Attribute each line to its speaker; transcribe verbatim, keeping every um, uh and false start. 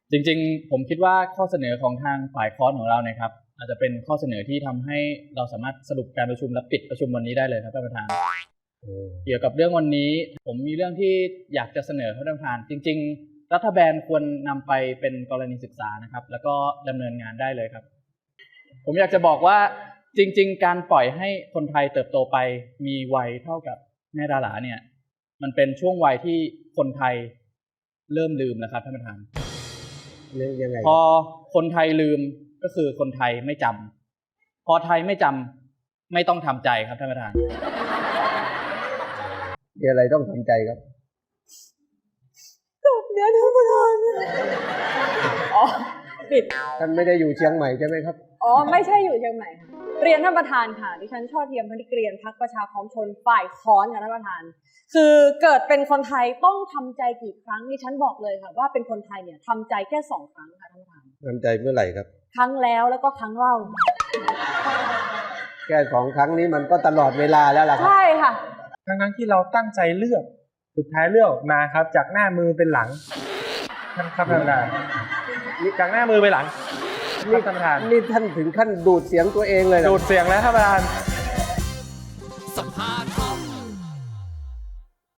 Speaker 1: จริงๆผมคิดว่าข้อเสนอของทางฝ่ายค้อนของเราเนี่ยครับอาจจะเป็นข้อเสนอที่ทำให้เราสามารถสรุปการประชุมและปิดประชุมวันนี้ได้เลยครับท่านประธานเกี่ยวกับเรื่องวันนี้ผมมีเรื่องที่อยากจะเสนอท่านประธานจริงๆรัฐบาลควรนำไปเป็นกรณีศึกษานะครับแล้วก็ดำเนินงานได้เลยครับผมอยากจะบอกว่าจริงๆการปล่อยให้คนไทยเติบโตไปมีวัยเท่ากับแม่ดาราเนี่ยมันเป็นช่วงวัยที่คนไทยเริ่มลืมแล้วครับท่านประธาน
Speaker 2: ยังไง
Speaker 1: พอคนไทยลืมก็คือคนไทยไม่จำพอไทยไม่จำไม่ต้องทำใจครับท่านประธาน
Speaker 2: มีอะไรต้องทำใจครับ
Speaker 3: จบเดี๋ยวท่านประธานอ๋อปิด
Speaker 2: ท่านไม่ได้อยู่เชียงใหม่ใช่ไหมครับ
Speaker 3: อ๋อไม่ใช่อยู่เชียงใหม่ค่ะเรียนท่านประธานค่ะดิฉันช่อเทียมพนิกเกรียนพรรคประชาคมชนฝ่ายค้อนค่ะท่านประธานคือเกิดเป็นคนไทยต้องทำใจกี่ครั้งดิฉันบอกเลยค่ะว่าเป็นคนไทยเนี่ยทำใจแค่สองครั้งค่ะท่านประธาน
Speaker 2: ทำใจเมื่อไหร่ครับ
Speaker 3: ครั้งแล้วแล้วก็ครั้งเล่า
Speaker 2: แค่สองครั้งนี้มันก็ตลอดเวลาแล้วล่ะครับ
Speaker 3: ใช่ค่ะ
Speaker 4: ทั้งนั้นที่เราตั้งใจเลือกสุดท้ายเลือกมาครับจากหน้ามือเป็นหลังท่านครับท่านประธานจากหน้ามือไปหลังนี่ท่านประธาน
Speaker 2: นี่ท่านถึงขั้นดูดเสียงตัวเองเลย
Speaker 4: ดูดเสียงแล้วท่านประธาน
Speaker 5: สัมภาษณ์